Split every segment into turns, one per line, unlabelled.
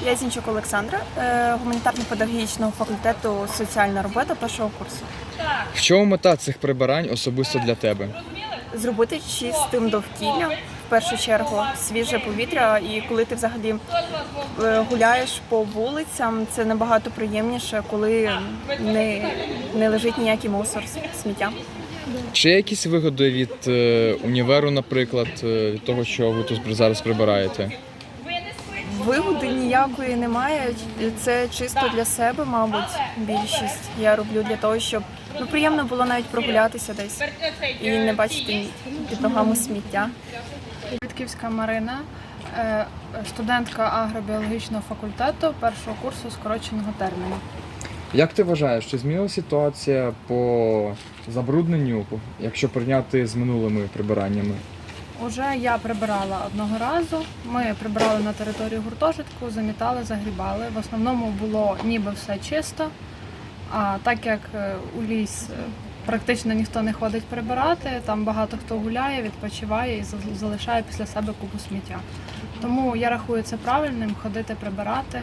Я Зінчук Олександра, гуманітарно-педагогічного факультету соціальна робота першого курсу.
В чому мета цих прибирань особисто для тебе?
Зробити чистим довкілля, в першу чергу, свіже повітря. І коли ти взагалі гуляєш по вулицям, це набагато приємніше, коли не лежить ніякий мусор, сміття.
Чи є якісь вигоди від універу, наприклад, від того, що ви тут зараз прибираєте?
Вигоди ніякої немає, це чисто для себе, мабуть, більшість. Я роблю для того, щоб приємно було навіть прогулятися десь і не бачити під ногами сміття.
Вітківська Марина, студентка агробіологічного факультету першого курсу скороченого терміну.
Як ти вважаєш, чи змінилася ситуація по забрудненню, якщо порівняти з минулими прибираннями?
Уже я прибирала одного разу. Ми прибирали на територію гуртожитку, замітали, загрібали. В основному було ніби все чисто, а так як у ліс практично ніхто не ходить прибирати, там багато хто гуляє, відпочиває і залишає після себе купу сміття. Тому я рахую це правильним, ходити прибирати.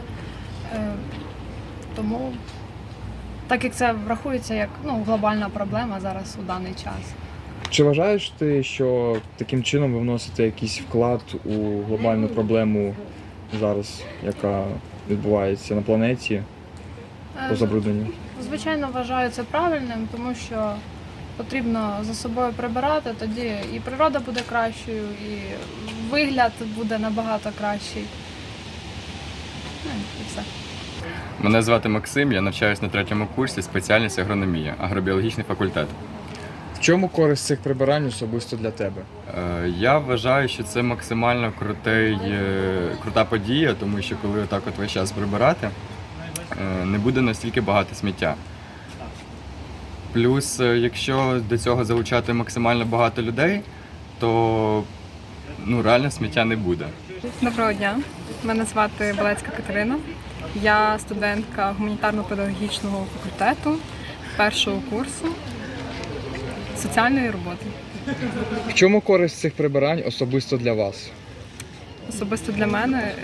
Тому, так як це врахується як глобальна проблема зараз у даний час.
Чи вважаєш ти, що таким чином ви вносите якийсь вклад у глобальну проблему зараз, яка відбувається на планеті по забрудненню?
Звичайно, вважаю це правильним, тому що потрібно за собою прибирати, тоді і природа буде кращою, і вигляд буде набагато кращий. І все.
Мене звати Максим, я навчаюся на 3-му курсі, спеціальність агрономія, агробіологічний факультет.
В чому користь цих прибирань особисто для тебе?
Я вважаю, що це максимально крута подія, тому що коли отак от весь час прибирати, не буде настільки багато сміття. Плюс, якщо до цього залучати максимально багато людей, то реально сміття не буде.
Доброго дня, мене звати Балецька Катерина. Я студентка гуманітарно-педагогічного факультету першого курсу соціальної роботи.
В чому користь цих прибирань особисто для вас?
Особисто для мене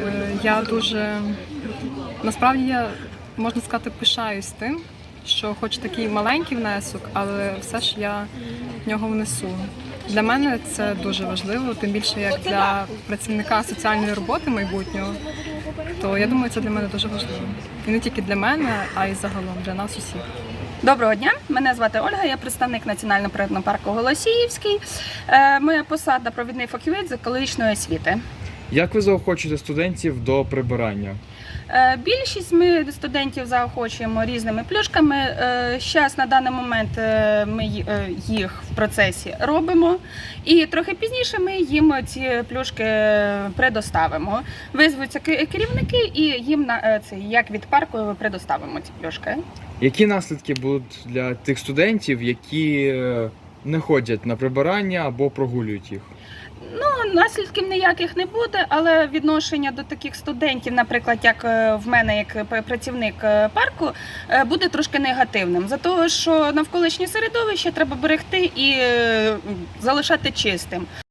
насправді я, можна сказати, пишаюсь тим, що хоч такий маленький внесок, але все ж я в нього внесу. Для мене це дуже важливо, тим більше як для працівника соціальної роботи майбутнього, то я думаю, це для мене дуже важливо. І не тільки для мене, а й загалом для нас усіх.
Доброго дня, мене звати Ольга, я представник Національного природного парку Голосіївський. Моя посада – провідний фахівець з екологічної освіти.
Як ви заохочуєте студентів до прибирання?
Більшість ми студентів заохочуємо різними плюшками. Зараз на даний момент ми їх в процесі робимо, і трохи пізніше ми їм ці плюшки предоставимо. Визвуться керівники і їм як від парку предоставимо ці плюшки.
Які наслідки будуть для тих студентів, які не ходять на прибирання або прогулюють їх?
Наслідків ніяких не буде, але відношення до таких студентів, наприклад, як в мене, як працівник парку, буде трошки негативним. За того, що навколишнє середовище треба берегти і залишати чистим.